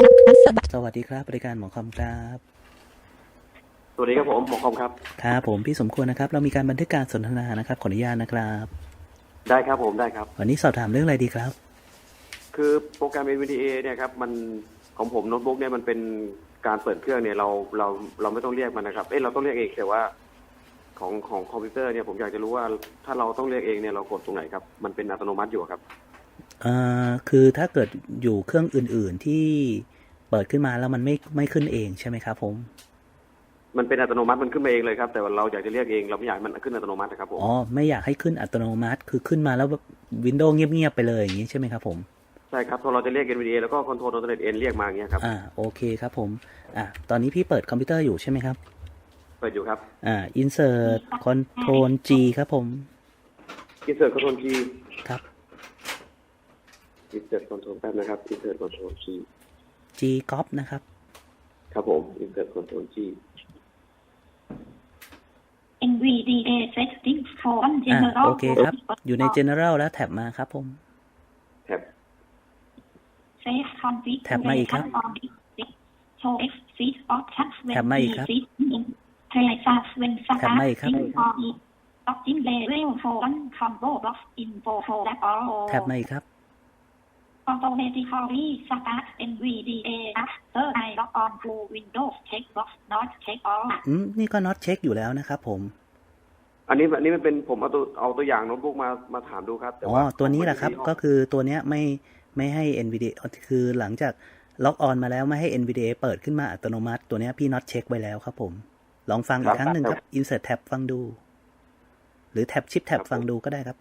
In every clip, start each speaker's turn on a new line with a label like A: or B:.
A: สวัสดีครับบริการหมอคอมครับ
B: สวัสดีครับผมหมอคอมครับ
A: ครับผมพี่สมควรนะครับเรามีการบันทึกการสนทนานะครับขออนุญาตนะครับ
B: ได้ครับผมได้ครับ
A: วันนี้สอบถามเรื่องอะไรดีครับ
B: คือโปรแกรม NVDA เนี่ยครับมันของผมโน้ตบุ๊กเนี่ยมันเป็นการเปิดเครื่องเนี่ยเราไม่ต้องเรียกมันนะครับเราต้องเรียกเองแต่ว่าของคอมพิวเตอร์เนี่ยผมอยากจะรู้ว่าถ้าเราต้องเรียกเองเนี่ยเรากดตรงไหนครับมันเป็นอัตโนมัติอยู่ครับ
A: คือถ้าเกิดอยู่เครื่องอื่นๆที่เปิดขึ้นมาแล้วมันไม่ขึ้นเองใช่ไหมครับผม
B: มันเป็นอัตโนมัติมันขึ้นมาเองเลยครับแต่ว่าเราอยากจะเรียกเองเราไม่อยากมันขึ้นอัตโนมัตินะครับผม
A: อ๋อไม่อยากให้ขึ้นอัตโนมัติคือขึ้นมาแล้ววินโดว์เงียบๆไปเลยอย่างนี้ใช่ไหมครับผม
B: ใช่ครับพอเราจะเรียก NVDA แล้วก็ Control Alt N เรียกมาอย่างเงี้ยครับ
A: โอเคครับผมตอนนี้พี่เปิดคอมพิวเตอร์อยู่ใช่ไหมครับ
B: เปิดอยู่ครับ
A: insert control G ครับผม
B: Insert Control G
A: ครับ
B: Insert Control แป๊บนะครับ Insert Control G
A: G copy นะครับ
B: ครับผม Insert Control G
C: NVDA settings for general
A: โอเคครับอยู่ใน general แล้วแท็บมาครับผม
B: แท็บ
C: save
A: แท็บมาอีกครับ
C: show exit options
A: แท็บมาอีกครับ
C: highlight fast when
A: แท็บมาอีกครับ
C: login level phone combo box info folder all
A: แท็บมาอีกครับ
C: automatically start NVDA after I log on to Windows checkbox not check all
A: นี่ก็ not check อยู่แล้วนะครับผม
B: อันนี้มันเป็นผมเอาตัวอย่างโน้ตบุ๊กมาถามดูครับแต่ว่า
A: ตัวนี้แหละครับก็คือตัวเนี้ยไม่ให้ NVDA คือหลังจากล็อกออนมาแล้วไม่ให้ NVDA เปิดขึ้นมาอัตโนมัติตัวเนี้ยพี่ not check ไว้แล้วครับผมลองฟังอีกครั้งหนึ่งครับ insert tab ฟังดูหรือ tab shift tab ฟังดูก็ได้ครับ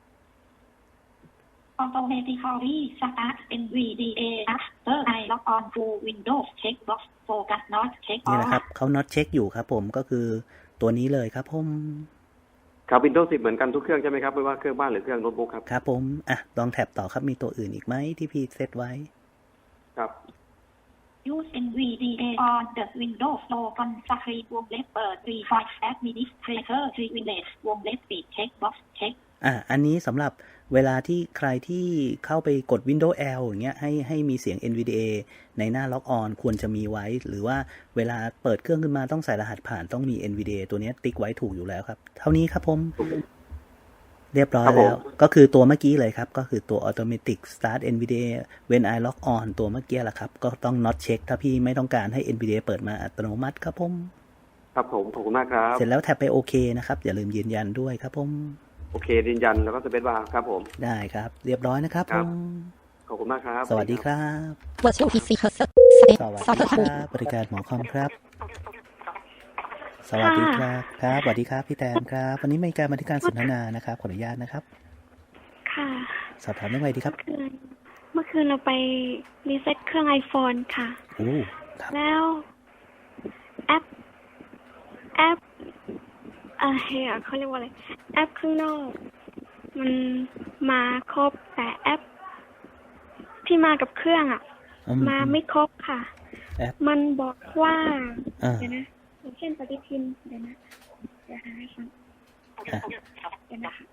C: automatically start NVDA after I log on to Windows checkbox focus not check
A: นี่
C: all
A: แหละครับเขา not check อยู่ครับผมก็คือตัวนี้เลยครับผม
B: ครับ Windows 10เหมือนกันทุกเครื่องใช่ไหมครับไม่ว่าเครื่องบ้านหรือเครื่องโน้ตบุ๊กครับ
A: ครับผมลองแท็บต่อครับมีตัวอื่นอีกไหมที่พี่เซตไว้
B: ครับ
C: use NVDA on the Windows Local Screen วงเล็บเปิด Refine Administrator Privilege วงเล็บปิด Checkbox Check
A: อันนี้สำหรับเวลาที่ใครที่เข้าไปกด Windows L อย่างเงี้ยให้มีเสียง NVDA ในหน้า Log On ควรจะมีไว้หรือว่าเวลาเปิดเครื่องขึ้นมาต้องใส่รหัสผ่านต้องมี NVDA ตัวนี้ติ๊กไว้ถูกอยู่แล้วครับเท่านี้ครับผมเรียบร้อยแล้วก็คือตัวเมื่อกี้เลยครับก็คือตัว Automatic Start NVDA When I Log On ตัวเมื่อกี้แหละครับก็ต้อง not check ถ้าพี่ไม่ต้องการให้ NVDA เปิดมาอัตโนมัติครับผม
B: ครับผมขอบคุณมากครับ
A: เสร็จแล้วแท็บไปโอเคนะครับอย่าลืมยืนยันด้วยครับผม
B: โอเคยืนยันแล้วก็สเปซบาร์ครับผม
A: ได้ครับเรียบร้อยนะครับผม
B: ขอบคุณมากครับ
A: สวัสดีครับสวัสดีครับบริการหมอคอมครับสวัสดีครับครับสวัสดีครับพี่แตนครับวันนี้มีการบันทึกการสนทนานะครับขออนุญาตนะครับ
D: ค่ะ
A: สอบถามเรื่องอะไรดีครับ
D: เมื่อคืนเราไปรีเซ็ตเครื่อง iPhone ค่ะ
A: ครับ
D: แล้วแอปเขาเรียกว่าอะไรแอปข้างนอกมันมาครบแต่แอปที่มากับเครื่องมาไม่ครบค่ะมันบอกว่าเดี๋ยวนะอย่างเช่นปฏิทินเดี๋ยวหาให้ฟังเดี๋ยวนะคะ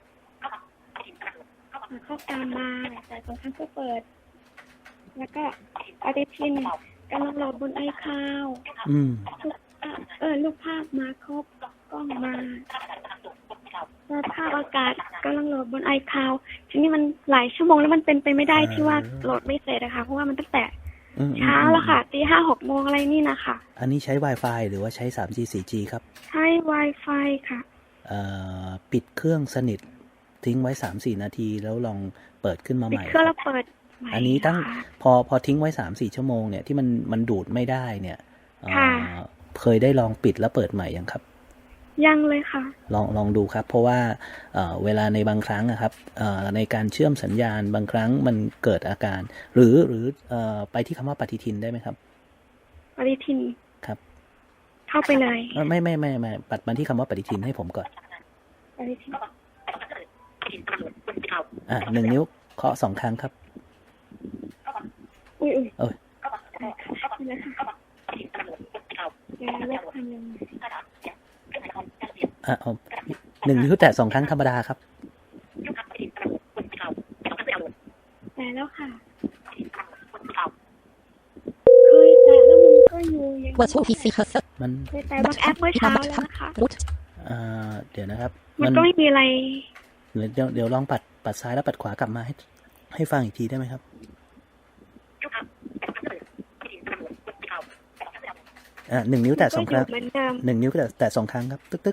D: เข้าตามมาแต่บางครั้งก็เปิดแล้วก็ปฏิทินกำลังโหลดบนiCloudรูปภาพมาครบกล้องมาภาพอากาศกำลังโหลดบนiCloud ทีนี้มันหลายชั่วโมงแล้วมันเป็นไปไม่ได้ที่ว่าโหลดไม่เสร็จนะคะเพราะว่ามันตั้งแต่เช้าแล้วค่ะตี 5-6 โมงอะไรนี่นะคะ
A: อันนี้ใช้ Wi-Fi หรือว่าใช้ 3G 4G ครับ
D: ใช้ Wi-Fi ค่ะ
A: ปิดเครื่องสนิททิ้งไว้ 3-4 นาทีแล้วลองเปิดขึ้นมาใหม่
D: ปิดเครื่องแล้วเปิด
A: อันนี้ตั้งพอทิ้งไว้ 3-4 ชั่วโมงเนี่ยที่มันดูดไม่ได้เนี่ยเคยได้ลองปิดแล้วเปิดใหม่ยังครับ
D: ยังเลยค่ะ
A: ลองดูครับเพราะว่าเวลาในบางครั้งนะครับในการเชื่อมสัญญาณบางครั้งมันเกิดอาการหรือไปที่คำว่าปฏิทินได้ไหมครับ
D: ปฏิทิน
A: ครับ
D: เข้าไปเลย
A: ไม่ปัดมาที่คำว่าปฏิทินให้ผมก่อน
D: ปฏิทิน
A: 1 นิ้วเคาะ2 ครั้งครับ
D: อุ้ย
A: โอ้ย1 นิ้วแตะ2 ครั้งธรรมดาครับ
D: แต่แล้วค่ะเคย
E: virtual PC cursor
A: มัน
D: แต่บางแอปเมื่อเช้าแล้วนะคะ
E: root
A: เดี๋ยวนะครับ
D: มันก็ไม่มีอะไร
A: เดี๋ยวลองปัดซ้ายแล้วปัดขวากลับมาให้ฟังอีกทีได้ไหมครับ1 นิ้วแตะ2 ครั้ง
D: เหมือนเดิม
A: 1 นิ้วแตะ2 ครั้งครับตึ๊ก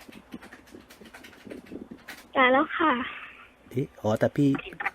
D: แต่แล้วค่ะ
A: แต่พี่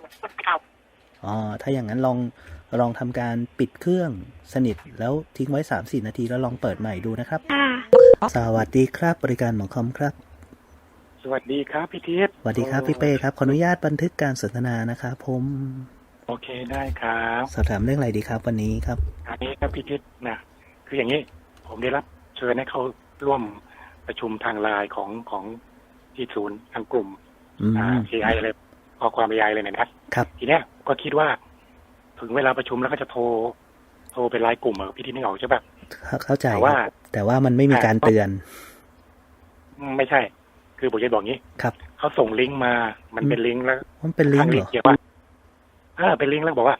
A: ถ้าอย่างนั้นลองทำการปิดเครื่องสนิทแล้วทิ้งไว้ 3-4 นาทีแล้วลองเปิดใหม่ดูนะครับสวัสดีครับบริการหมอคอมครับ
F: สวัสดีครับพี่ทิพย์
A: สวัสดีครับพี่เป้ครับขออนุญาตบันทึกการสนทนานะครับผม
F: โอเคได้ครับ
A: สอบถามเรื่องอะไรดีครับวันนี้ครับ
F: อันนี้ครับพี่ทิพย์นะคืออย่างนี้ผมได้รับเชิญให้เขาร่วมประชุมทางไลน์ของที่ศูนย์ทางกลุ่มAI อะไรข้อความ AI เลยนะครับทีเนี้ยก็คิดว่าถึงเวลาประชุมแล้วก็จะโทรเป็นไลน์กลุ่มพี่ทิพย์นึกออกใช่ปะ
A: เข้าใจแต่ว่ามันไม่มีการเตือน
F: ไม่ใช่คือผมจะบอกงี้
A: ครับ
F: เขาส่งลิงก์มามันเป็นลิงก์แล้ว
A: มันเป็นลิงก์เหรอ
F: เกี่ยวว่าเป็นลิงก์แล้วบอกว่า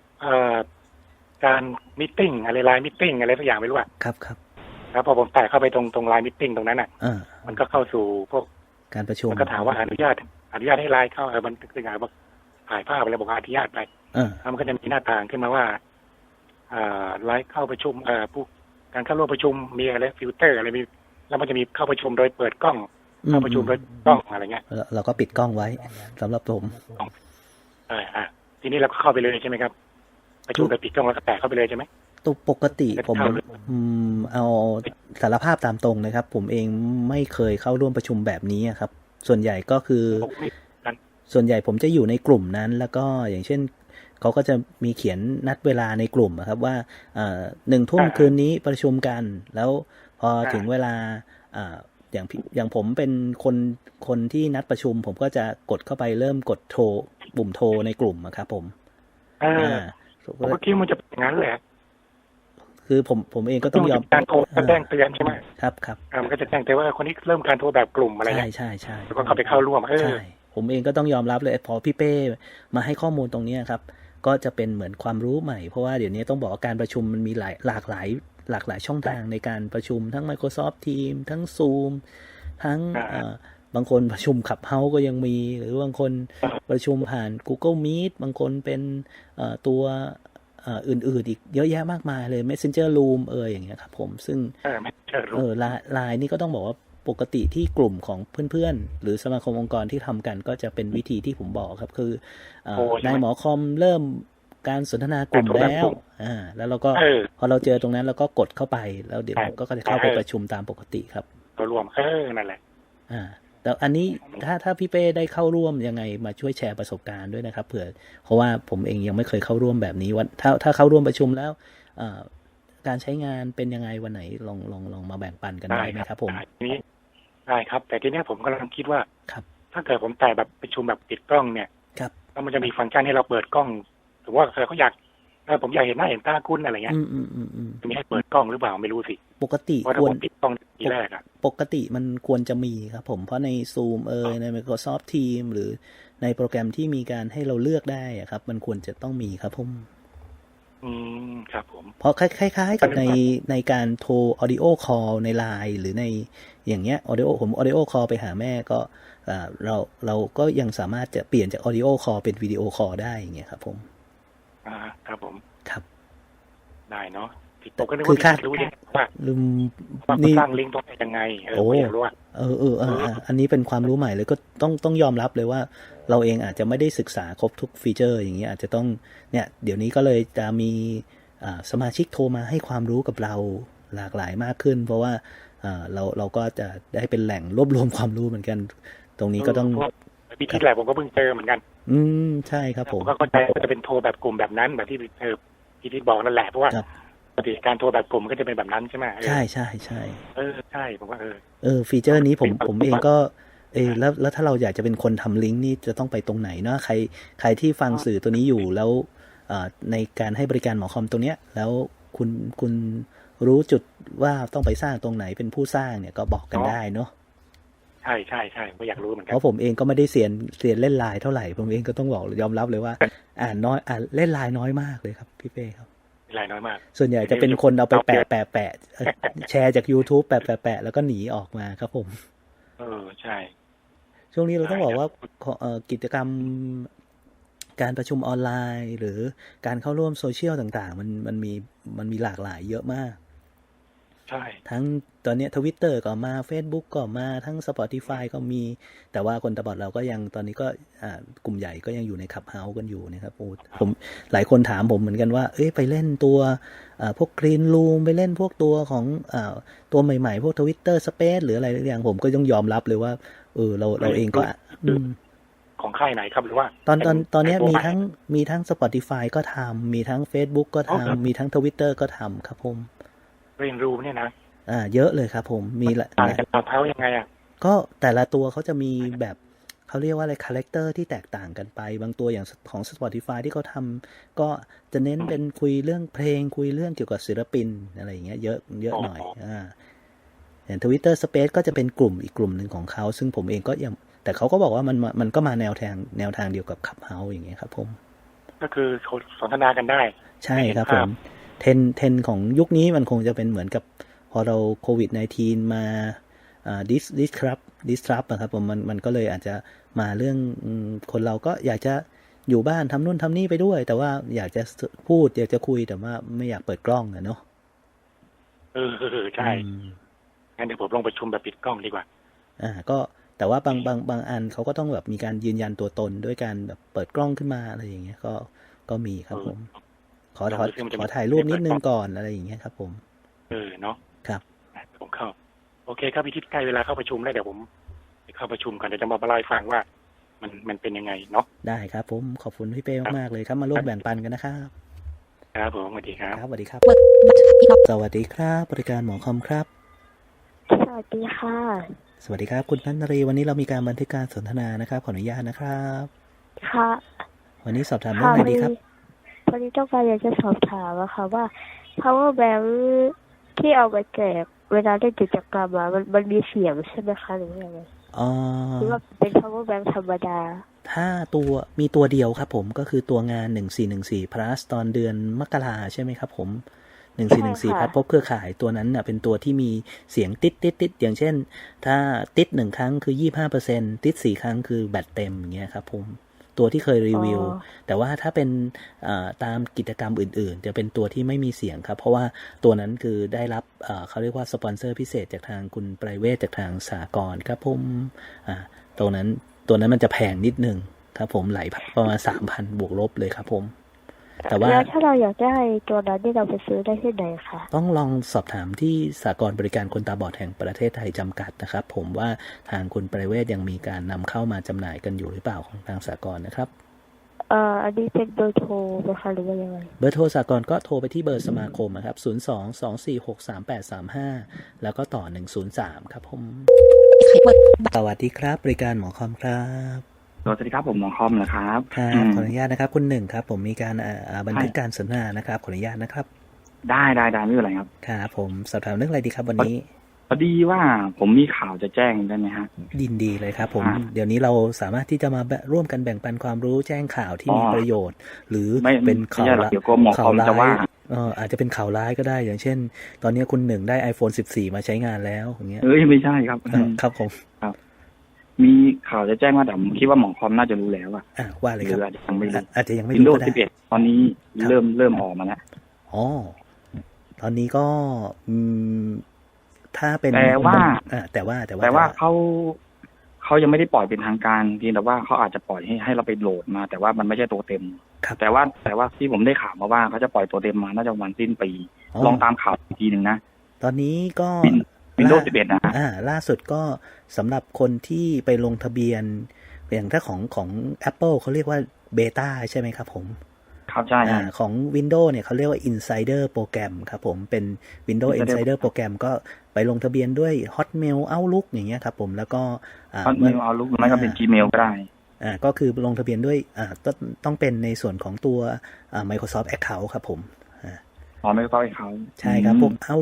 F: การมิทติ้งอะไรไลน์มิทติ้งอะไรสักอย่างไม่รู้
A: ครับ
F: แล้วพอผมแตะเข้าไปตรงไลน์มิทติ้งตรงนั้นมันก็เข้าสู่พวก
A: การประชุม
F: มันก็ถามว่าอนุญาตให้ไลน์เข้ามันถึงไงบอกถ่ายภาพอะไรบอกอนุญาตไปแล้วมันก็จะมีหน้าต่างขึ้นมาว่าไลน์เข้าประชุมผู้การเข้าร่วมประชุมมีอะไรฟิลเตอร์อะไรมีแล้วมันจะมีเข้าประชุมโดยเปิดกล้องเข้าประชุมโดยกล้องอะไรเงี้ย
A: เราก็ปิดกล้องไว้สำหรับผม
F: ทีนี้เราก็เข้าไปเลยใช่ไหมครับประชุมไปปิดกล้องแล้วก็แตะเข้าไปเลยใช่ไหม
A: ตัวปกติผมเอาสารภาพตามตรงนะครับผมเองไม่เคยเข้าร่วมประชุมแบบนี้ครับส่วนใหญ่ก็คือส่วนใหญ่ผมจะอยู่ในกลุ่มนั้นแล้วก็อย่างเช่นเขาก็จะมีเขียนนัดเวลาในกลุ่มครับว่า1 ทุ่มคืนนี้ประชุมกันแล้วพอถึงเวลาอย่างผมเป็นคนที่นัดประชุมผมก็จะกดเข้าไปเริ่มกดโทรปุ่มโทรในกลุ่มครับผม
F: ผมก็คิดมันจะเป็นอย่างนั้นแหละ
A: คือผมเองก็ต้องยอม
F: การโทรแจ้งเตือนใช่ไหม
A: ครับ
F: มันก็จะแจ้งเตือนว่าคนนี้เริ่มการโทรแบบกลุ่มอะไรเงี้ย
A: ใช่
F: แล้วก็เข้าไปเข้าร่วม
A: ใช่ผมเองก็ต้องยอมรับเลยพอพี่เป้มาให้ข้อมูลตรงนี้ครับก็จะเป็นเหมือนความรู้ใหม่เพราะว่าเดี๋ยวนี้ต้องบอกว่าการประชุมมันมีหลากหลายช่องทางในการประชุมทั้ง Microsoft Teams ทั้ง Zoom ทั้งบางคนประชุมClubhouseก็ยังมีหรือบางคนประชุมผ่าน Google Meet บางคนเป็นตัวอื่นๆอีกเยอะแยะมากมายเลย Messenger Room อย่างเงี้ยครับผมซึ่งไลน์นี่ก็ต้องบอกว่าปกติที่กลุ่มของเพื่อนๆหรือสมาคมองค์กรที่ทำกันก็จะเป็นวิธีที่ผมบอกครับคือนายหมอคอมเริ่มการสนทนากลุ่มแล้วแล้วเราก็พอเราเจอตรงนั้นเราก็กดเข้าไปแล้วเดี๋ยวก็จะเข้าไปประชุมตามปกติครับ
F: ตัวรวมนั่นแหละ
A: แต่อันนี้ถ้าพี่เป้ได้เข้าร่วมยังไงมาช่วยแชร์ประสบการณ์ด้วยนะครับเผื่อเพราะว่าผมเองยังไม่เคยเข้าร่วมแบบนี้ว่าถ้าเข้าร่วมประชุมแล้วการใช้งานเป็นยังไงวันไหนลองมาแบ่งปันกันได้ไหมครับผม
F: นี้ได้ครับแต่ทีนี้ผมกำลังคิดว่าถ้าเกิดผมแต่แบบประชุมแบบปิดกล้องเนี่ยแล้วมันจะมีฟังก์ชันให้เราเปิดกล้องถือว่าเขาอยากผมอยากเห็นหน้าเห็นตาคุณอะไรเงี้ยจะมีให้เปิดกล้องหรือเปล่าไม่รู้สิ
A: ปกติ
F: ควรปิดกล้องทีแรก
A: ปกติมันควรจะมีครับผมเพราะใน Zoom ใน Microsoft Teams หรือในโปรแกรมที่มีการให้เราเลือกได้ครับมันควรจะต้องมีครับผม
F: ครับผม
A: เพราะคล้ายๆกับในการโทร audio call ใน LINE หรือในอย่างเงี้ย audio call ไปหาแม่ก็เราก็ยังสามารถจะเปลี่ยนจาก audio call เป็น video call ได้อย่างเงี้ยครับผม
F: ครับผม
A: ครับ
F: ได้เนาะคือค่ารู้ยังว่านี่สร้างลิงก์ตรงไหนยังไงอยากรู้ว่า
A: อันนี้เป็นความรู้ใหม่เลยก็ต้องยอมรับเลยว่าเราเองอาจจะไม่ได้ศึกษาครบทุกฟีเจอร์อย่างเงี้ยอาจจะต้องเนี่ยเดี๋ยวนี้ก็เลยจะมีสมาชิกโทรมาให้ความรู้กับเราหลากหลายมากขึ้นเพราะว่าเราก็จะได้เป็นแหล่งรวบรวมความรู้เหมือนกันตรงนี้ก็ต้อง
F: พี่ทิศแหละผมก็เพิ่งเจอเหมือนกัน
A: ใช่ครับผม
F: ก็เข้าใจว่าจะเป็นโทรแบบกลุ่มแบบนั้นแบบที่พี่ทิศบอกนั่นแหละเพราะว่าปกติการโทรแบบกลุ่มก็จะเป็นแบบนั้นใช่ไหม
A: ใช่
F: ใช่ผมว่า
A: ฟีเจอร์นี้ผมเองก็แล้วถ้าเราอยากจะเป็นคนทำลิงก์นี่จะต้องไปตรงไหนเนาะใครที่ฟังสื่อตัวนี้อยู่แล้วในการให้บริการหมอคอมตรงเนี้ยแล้วคุณรู้จุดว่าต้องไปสร้างตรงไหนเป็นผู้สร้างเนี่ยก็บอกกันได้เนาะ
F: ใช่ก็อยากรู้เหมือนกัน
A: เพราะผมเองก็ไม่ได้เรียนเล่นไลน์เท่าไหร่ผมเองก็ต้องบอกยอมรับเลยว่าอ่านเล่นไลน์น้อยมากเลยครับพี่เป้ครับ
F: รายน้อยมาก
A: ส่วนใหญ่จะเป็นคนเอาไปแปะแชร์จาก YouTube แปะแล้วก็หนีออกมาครับผม
F: ใช่
A: ช่วงนี้เราต้องบอกว่ากิจกรรมการประชุมออนไลน์ หรือการเข้าร่วมโซเชียลต่างๆมันมีหลากหลายเยอะมาก
F: ใช่
A: ทั้งตอนนี้ Twitter ก็มา Facebook ก็มาทั้ง Spotify ก็มีแต่ว่าคนตาบอดเราก็ยังตอนนี้ก็กลุ่มใหญ่ก็ยังอยู่ใน Clubhouse กันอยู่นะครับผมหลายคนถามผมเหมือนกันว่าไปเล่นตัวพวก Green Room ไปเล่นพวกตัวของตัวใหม่ๆพวก Twitter Space หรืออะไรอย่างผมก็ต้องยอมรับเลยว่าเราเองก็
F: ของค่ายไหนครับหรือว่า
A: ตอนนี้มีทั้ง Spotify ก็ทำมีทั้ง Facebook ก็ทำมีทั้ง Twitter ก็ทำครับผม
F: เรียนรู้เนี่ยนะ
A: เยอะเลยครับผมมี
F: ต่างจากClubhouseยังไง
A: ก็แต่ละตัวเขาจะมีแบบเขาเรียกว่าอะไรคาแรคเตอร์ที่แตกต่างกันไปบางตัวอย่างของ Spotify ที่เขาทำก็จะเน้นเป็นคุยเรื่องเพลงคุยเรื่องเกี่ยวกับศิลปินอะไรอย่างเงี้ยเยอะหน่อยอย่าง Twitter Space ก็จะเป็นกลุ่มอีกกลุ่มหนึ่งของเขาซึ่งผมเองก็ยังแต่เขาก็บอกว่ามันก็มาแนวทางเดียวกับ Clubhouse อย่างเงี้ยครับผม
F: ก็คือสนทนากันได้
A: ใช่ครับผมเทรนของยุคนี้มันคงจะเป็นเหมือนกับพอเราโควิด -19 มาdisrupt นะครับผมมันก็เลยอาจจะมาเรื่องคนเราก็อยากจะอยู่บ้านทำนู่นทำนี่ไปด้วยแต่ว่าอยากจะพูดอยากจะคุยแต่ว่าไม่อยากเปิดกล้องเนาะ
F: ใช่งั้นเดี๋ยวผมลงประชุมแบบปิดกล้องดีกว่า
A: ก็แต่ว่าบางอันเขาก็ต้องแบบมีการยืนยันตัวตนด้วยการแบบเปิดกล้องขึ้นมาอะไรอย่างเงี้ยก็มีครับผมขอถ่ายรูปนิดนึงก่อนอะไรอย่างเงี้ยครับผม
F: เนาะ
A: ครับ
F: ผมเข้าโอเคครับพี่ทิศใกล้เวลาเข้าประชุมแล้วเดี๋ยวผมเข้าประชุมกันเดี๋ยวจะมาเล่าให้ฟังว่ามันเป็นยังไงเนาะ
A: ได้ครับผมขอบคุณพี่เป้มากๆเลยครับมาร่วมแบ่งปันกันนะครับ
F: ครับผมสวัสดีครับ
A: สวัสดีครับสวัสดีครับบริการหมอคอมครับ
D: สวัสดีค่ะ
A: สวัสดีครับคุณนันทรีวันนี้เรามีการบันทึกการสนทนานะครับขออนุญาตนะครับ
D: ค่ะ
A: วันนี้สอบถามเรื่องอะไรดีครับ
D: วันนี้ต้องการอยากจะสอบถามค่ะว่า power bank ที่เอาไปแจกเวลาได้กิจกรรมมันมีเสียงใช่ไหมคะหรือยังไงหรือว่าเป็น power bank ธรรมดา
A: ถ้ามีตัวเดียวครับผมก็คือตัวงาน1414 plus ตอนเดือนมกราใช่ไหมครับผม1414พัดพบเครือข่ายตัวนั้นน่ะเป็นตัวที่มีเสียงติดอย่างเช่นถ้าติด1ครั้งคือ 25% ติด4ครั้งคือแบตเต็มอย่างเงี้ยครับผมตัวที่เคยรีวิวแต่ว่าถ้าเป็นตามกิจกรรมอื่นๆจะเป็นตัวที่ไม่มีเสียงครับเพราะว่าตัวนั้นคือได้รับเขาเรียกว่าสปอนเซอร์พิเศษจากทางคุณไพรเวทจากทางสหกรณ์ครับผมตัวนั้นมันจะแพงนิดนึงครับผมไหลประมาณ 3,000 บวกลบเลยครับผมแต่ว่า
D: ถ้าเราอยากได้ตัวนั้นที่เราไปซื้อได้ที่ไหนคะ
A: ต้องลองสอบถามที่สหกรณ์บริการคนตาบอดแห่งประเทศไทยจำกัดนะครับผมว่าทางคุณไพรเวทยังมีการนำเข้ามาจำหน่ายกันอยู่หรือเปล่าของทางสหกรณ์นะครับ
D: อันนี้เป็นเบอร์โทรนะคะหรือว่ายังไง
A: เบอร์โทรสหกรณ์ก็โทรไปที่เบอร์สมาคมนะครับ02-246-3835แล้วก็ต่อ103ครับผมสวัสดีครับบริการหมอคอมครับ
E: สวัสดีครับผมหมอคอมนะครับ
A: ครับขออนุญาตนะครับคุณหนึ่งครับผมมีการบันทึกการสนทนานะครับขออนุญาตนะครับ
E: ได้ไม่เป็นไรครับ
A: ครับผมสอบถามเรื่องอะไรดีครับวันนี้
E: พอดีว่าผมมีข่าวจะแจ้งได้ไหมฮะ
A: ยินดีเลยครับผมเดี๋ยวนี้เราสามารถที่จะมาร่วมกันแบ่งปันความรู้แจ้งข่าวที่มีประโยชน์หรือเป็นข่าวร้ายอาจจะเป็นข่าวร้ายก็ได้อย่างเช่นตอนนี้คุณหนึ่งได้ iPhone 14มาใช้งานแล้วอย่างเงี้ย
E: ไม่ใช่ครับ
A: ครับผม
E: ครับมีข่าวจะแจ้งว่าแต่ผมคิดว่าหมอคอมน่าจะรู้แล้ว
A: ว่าเลยครับอาจจะยังไม่รู้
E: ก็ได้ Windows 11ตอนนี้เริ่มออกมาแล้ว
A: ตอนนี้ก็ถ้าเป็นแต่ว่า
E: เขายังไม่ได้ปล่อยเป็นทางการเพียงแต่ว่าเขาอาจจะปล่อยให้เราไปโหลดมาแต่ว่ามันไม่ใช่ตัวเต็มแต่ว่าที่ผมได้ข่าวมาว่าเขาจะปล่อยตัวเต็มมาน่าจะวันสิ้นปีลองตามข่าวอีกทีนึงนะ
A: ตอนนี้ก็
E: Windows 11นะ
A: ล่าสุดก็สำหรับคนที่ไปลงทะเบียนอย่างถ้าของ Apple เขาเรียกว่าเบต้าใช่ไหมครับผม
E: ครับใช่
A: ของ Windows เนี่ยเขาเรียกว่า Insider โปรแกรมครับผมเป็น Windows Insider โปรแกรมก็ไปลงทะเบียนด้วย Hotmail Outlook อย่างเงี้ยครับผมแล้วก็
E: Hotmail Outlook ไม่ก็เป็น Gmail ก็ได้
A: ก็คือลงทะเบียนด้วยต้องเป็นในส่วนของตัวMicrosoft Account ครับผม
E: Microsoft Account
A: ใช่ครับพวก Outlook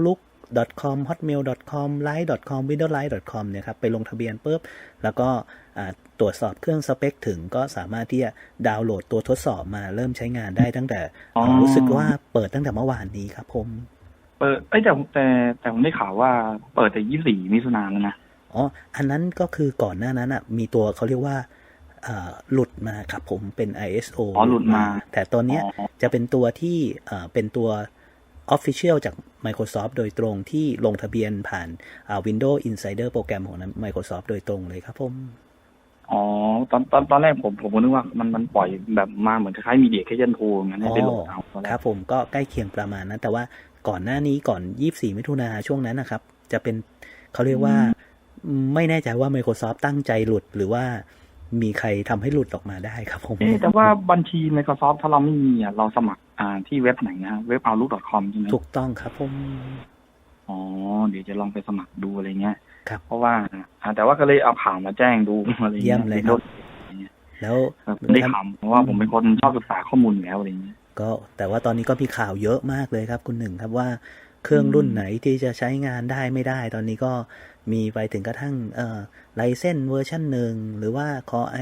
A: outlook.com hotmail.com line.com windowsline.com เนี่ยครับไปลงทะเบียนปุ๊บแล้วก็ตรวจสอบเครื่องสเปคถึงก็สามารถที่จะดาวน์โหลดตัวทดสอบมาเริ่มใช้งานได้ตั้งแต่รู้สึกว่าเปิดตั้งแต่เมื่อวานนี้ครับผม
E: เปิดแต่ผมได้ข่าวว่าเปิดแต่24มิถุนายนแล้วนะ
A: อ๋ออันนั้นก็คือก่อนหน้านั้นมีตัวเขาเรียกว่าหลุดมาครับผมเป็น ISO
E: หลุดมา
A: แต่ตอนนี้จะเป็นตัวที่เป็นตัว Official จาก Microsoft โดยตรงที่ลงทะเบียนผ่านWindows Insider โปรแกรมของ Microsoft โดยตรงเลยครับผม
E: อ๋อตอนแรกผมนึกว่ามันปล่อยแบบมาเหมือนคล้ายๆ Media Creation Tool งั้นให้ไปโหลดเอา
A: ครับผมก็ใกล้เคียงประมาณนั้นแต่ว่าก่อนหน้านี้ก่อน24มิถุนายนช่วงนั้นนะครับจะเป็นเขาเรียกว่าไม่แน่ใจว่า Microsoft ตั้งใจหลุดหรือว่ามีใครทำให้หลุดออกมาได้ครับผม
E: แต่ว่าบัญชี Microsoft ถ้าเราไม่มีเราสมัครที่เว็บไหนนะเว็บ outlook.com ใช่ไหม
A: ถูกต้องครับผม
E: อ๋อเดี๋ยวจะลองไปสมัครดูอะไรเงี้ย
A: ครับ
E: เพราะว่าแต่ว่าก็เลยเอาข่าวมาแจ้งดูอะไรเงี้ย
A: เยี่ยมเลยครับแล้ว
E: ได้ข่าวเพราะว่าผมเป็นคนชอบศึกษาข้อมูลแล้วอะไรเงี้ย
A: ก็แต่ว่าตอนนี้ก็มีข่าวเยอะมากเลยครับคุณหนึ่งครับว่าเครื่องรุ่นไหนที่จะใช้งานได้ไม่ได้ตอนนี้ก็มีไปถึงกระทั่งRyzen เวอร์ชัน1หรือว่า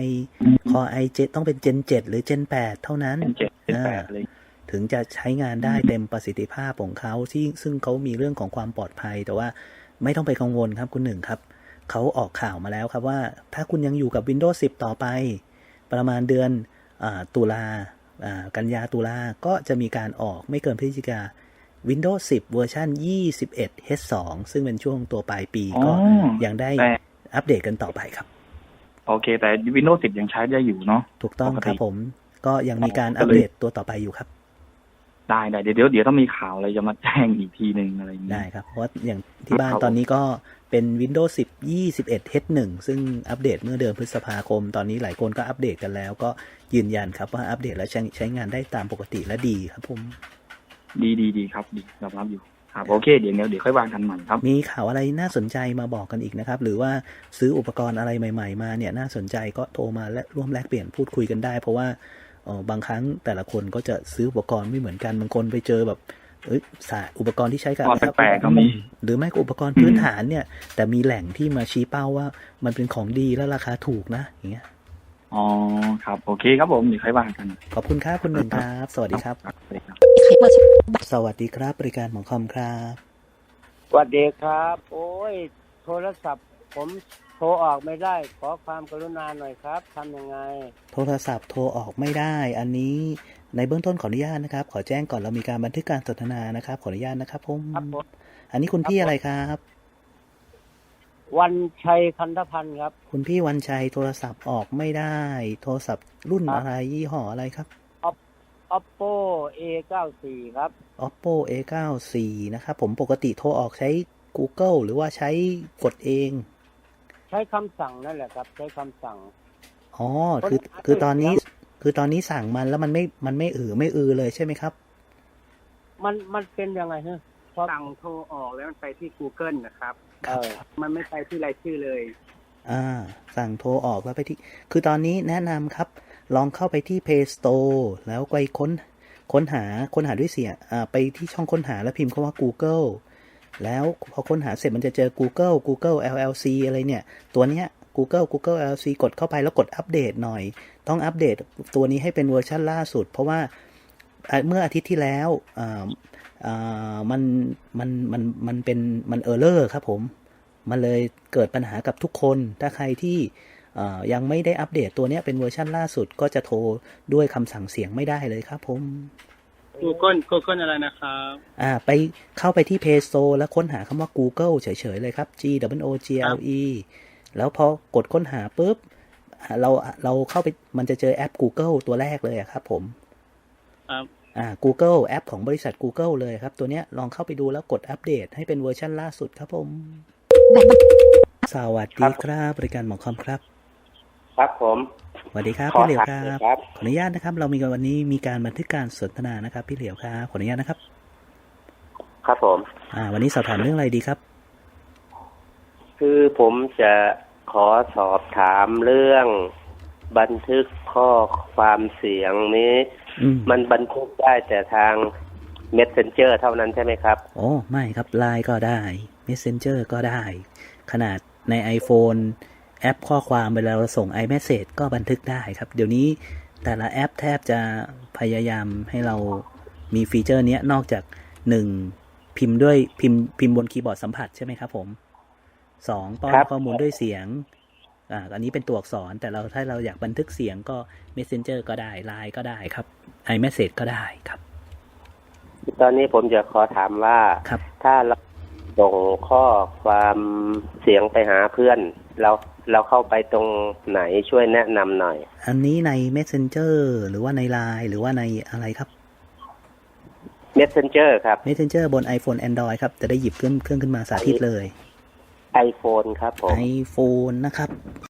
A: Core i ต้องเป็น Gen 7 หรือ Gen 8 เท่านั้นถึงจะใช้งานได้เต็มประสิทธิภาพของเขาซึ่งเขามีเรื่องของความปลอดภัยแต่ว่าไม่ต้องไปกังวลครับคุณหนึ่งครับเขาออกข่าวมาแล้วครับว่าถ้าคุณยังอยู่กับ Windows 10 ต่อไปประมาณเดือนตุลากันยาตุลาก็จะมีการออกไม่เกินพฤศจิกาWindows 10 เวอร์ชัน 21H2 ซึ่งเป็นช่วงตัวปลายปีก็ยังได้อัปเดตกันต่อไปครับ
E: โอเคแต่ Windows 10 ยังใช้ได้อยู่เนาะ
A: ถูกต้องครับผมก็ยังมีการอัปเดตตัวต่อไปอยู่ครับ
E: ได้เดี๋ยวต้องมีข่าวอะไรจะมาแจ้งอีกทีนึงอะไรอย่างนี้
A: ได้ครับเพราะว่าอย่างที่บ้านตอนนี้ก็เป็น Windows 10 21H1 ซึ่งอัปเดตเมื่อเดือนพฤษภาคมตอนนี้หลายคนก็อัปเดตกันแล้วก็ยืนยันครับว่าอัปเดตแล้วใช้งานได้ตามปกติและดีครับผม
E: ดีครับดีรับอยู่ครับโอเคเดี๋ยวค่อยวางกันใหม่ครับ
A: มีข่าวอะไรน่าสนใจมาบอกกันอีกนะครับหรือว่าซื้ออุปกรณ์อะไรใหม่ๆมาเนี่ยน่าสนใจก็โทรมาและร่วมแลกเปลี่ยนพูดคุยกันได้เพราะว่าบางครั้งแต่ละคนก็จะซื้ออุปกรณ์ไม่เหมือนกันบางคนไปเจอแบบอุปกรณ์ที่ใช้กับ
E: แปลกๆก็มี
A: หรือไม่ก็อุปกรณ์พื้นฐานเนี่ยแต่มีแหล่งที่มาชี้เป้าว่ามันเป็นของดีและราคาถูกนะอย่างเงี้ย
E: อ๋อครับโอเคครับผมเดี๋ยวค่อยวางกัน
A: ขอบคุณครับคุณหนึ่งครับสวัสดีครับสวัสดีครับบริการหมอคอมครับ
G: สวัสดีครับโอ้ยโทรศัพท์ผมโทรออกไม่ได้ขอความกรุณาหน่อยครับทำยังไง
A: โทรศัพท์โทรออกไม่ได้อันนี้ในเบื้องต้นขออนุญาตนะครับขอแจ้งก่อนเรามีการบันทึกการสนทนานะครับขออนุญาตนะครับผมอันนี้คุณพี่อะไรครับ
G: วันชัยคันธพันธ์ครับ
A: คุณพี่วันชัยโทรศัพท์ออกไม่ได้โทรศัพท์รุ่นอะไรยี่ห้ออะไรครับ
G: Oppo A94 ครับ
A: Oppo A94 นะครับผมปกติโทรออกใช้ Google หรือว่าใช้กดเอง
G: ใช้คำสั่งนั่นแหละครับใช้คำสั่ง
A: อ๋อคือตอนนี้สั่งมันแล้วมันไม่เลยใช่ไหมครับ
G: มันเป็นยังไงฮะ
H: พอสั่งโทรออกแล้วมันไปที่ Google นะครับมันไม่ไปที่รายชื่อเลย
A: สั่งโทรออกแล้วไปที่คือตอนนี้แนะนำครับลองเข้าไปที่ Play Store แล้วไปค้นหาด้วยเสียงไปที่ช่องค้นหาแล้วพิมพ์คำว่า Google แล้วพอค้นหาเสร็จมันจะเจอ Google LLC อะไรเนี่ยตัวเนี้ย Google LLC กดเข้าไปแล้วกดอัปเดตหน่อยต้องอัปเดตตัวนี้ให้เป็นเวอร์ชันล่าสุดเพราะว่าเมื่ออาทิตย์ที่แล้วมันเป็นเออร์เลอร์ครับผมมันเลยเกิดปัญหากับทุกคนถ้าใครที่ยังไม่ได้อัปเดตตัวนี้เป็นเวอร์ชันล่าสุดก็จะโทรด้วยคำสั่งเสียงไม่ได้เลยครับผม
H: Google อะไรนะครับ
A: ไปเข้าไปที่ Play Store แล้วค้นหาคำว่า Google เฉยๆเลยครับ GOOGLE แล้วพอกดค้นหาปุ๊บเราเข้าไปมันจะเจอแอป Google ตัวแรกเลยครับผมGoogle แอปของบริษัท Google เลยครับตัวเนี้ยลองเข้าไปดูแล้วกดอัปเดตให้เป็นเวอร์ชันล่าสุดครับผมสวัสดีครับบริการหมอคอมครับ
G: ครับผม
A: สวัสดีครับพี่เหลียวครับขออนุญาตนะครับเรามีวันนี้มีการบันทึกการสนทนานะครับพี่เหลียวครับขออนุญาตนะครับ
G: ครับผม
A: วันนี้สอบถามเรื่องอะไรดีครับ
G: คือผมจะขอสอบถามเรื่องบันทึกข้อความเสียงนี้มันบันทึกได้แต่ทาง Messenger เท่านั้นใช่ไหมครับ
A: โอ้ไม่ครับ Line ก็ได้ Messenger ก็ได้ ขนาดใน iPhone แอปข้อความเวลาเราส่ง iMessage ก็บันทึกได้ครับเดี๋ยวนี้แต่ละแอปแทบจะพยายามให้เรามีฟีเจอร์นี้นอกจาก1พิมพ์ด้วยพิมพ์บนคีย์บอร์ดสัมผัสใช่ไหมครับผม2ป้อนข้อมูลด้วยเสียงอันนี้เป็นตัวอักษรแต่ถ้าเราอยากบันทึกเสียงก็ Messenger ก็ได้ Line ก็ได้ครับ iMessage ก็ได้ครับ
G: ตอนนี้ผมจะขอถามว่าถ้าเราส่งข้อความเสียงไปหาเพื่อนเราเข้าไปตรงไหนช่วยแนะนำหน่อย
A: อันนี้ใน Messenger หรือว่าใน Line หรือว่าในอะไรครับ
G: Messenger ครับ
A: Messenger บน iPhone Android ครับจะได้หยิบเครื่องขึ้นมาสาธิตเลย
G: iPhone ครับผม
A: iPhone นะครับ